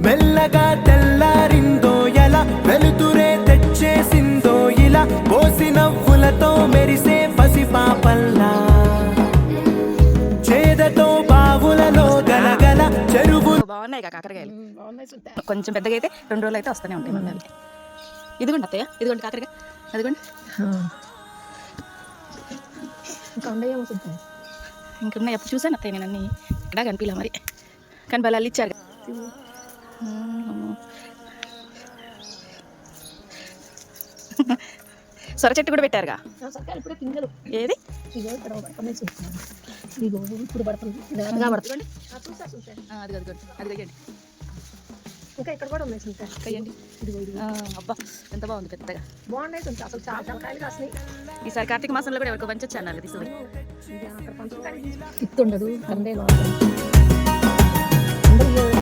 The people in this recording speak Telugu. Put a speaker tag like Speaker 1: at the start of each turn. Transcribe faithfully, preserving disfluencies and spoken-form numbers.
Speaker 1: మెల్లగా తెల్లారిందో ఎలా వెలుతురే తెచ్చేసిందో ఇలా పోసి నవ్వులతో మెరిసే పసిపాపల్లా చేదతో బావులలో గలగల చెరువు.
Speaker 2: బాగున్నాయి కాకరకాయలు, కొంచెం పెద్దగా అయితే రెండు రోజులు అయితే వస్తూనే ఉంటాయి మళ్ళీ. ఇదిగోండి అత్తయ్య, ఇదిగోండి కాకరకాయ, అదిగోండి. ఇంకున్నాయి, ఎప్పుడు చూసాను అత్తయ్య నేను అన్నీ. ఇక్కడ కనిపించలే మరి, కానీ బలాలు ఇచ్చారు. సొర చెట్టు కూడా పెట్టారుగా. ఏది
Speaker 3: ఇంకా ఇక్కడ కూడా ఉన్నాయి
Speaker 2: కయ్యండి. అబ్బా ఎంత బాగుంది, పెద్దగా
Speaker 3: బాగున్నాయి అసలు చాలా చాలా కాయలు కాసినాయి.
Speaker 2: ఈసారి కార్తీక మాసంలో కూడా ఎవరికి పంచొచ్చు అన్నారు తీసుకుని.
Speaker 3: ఇస్తుండదు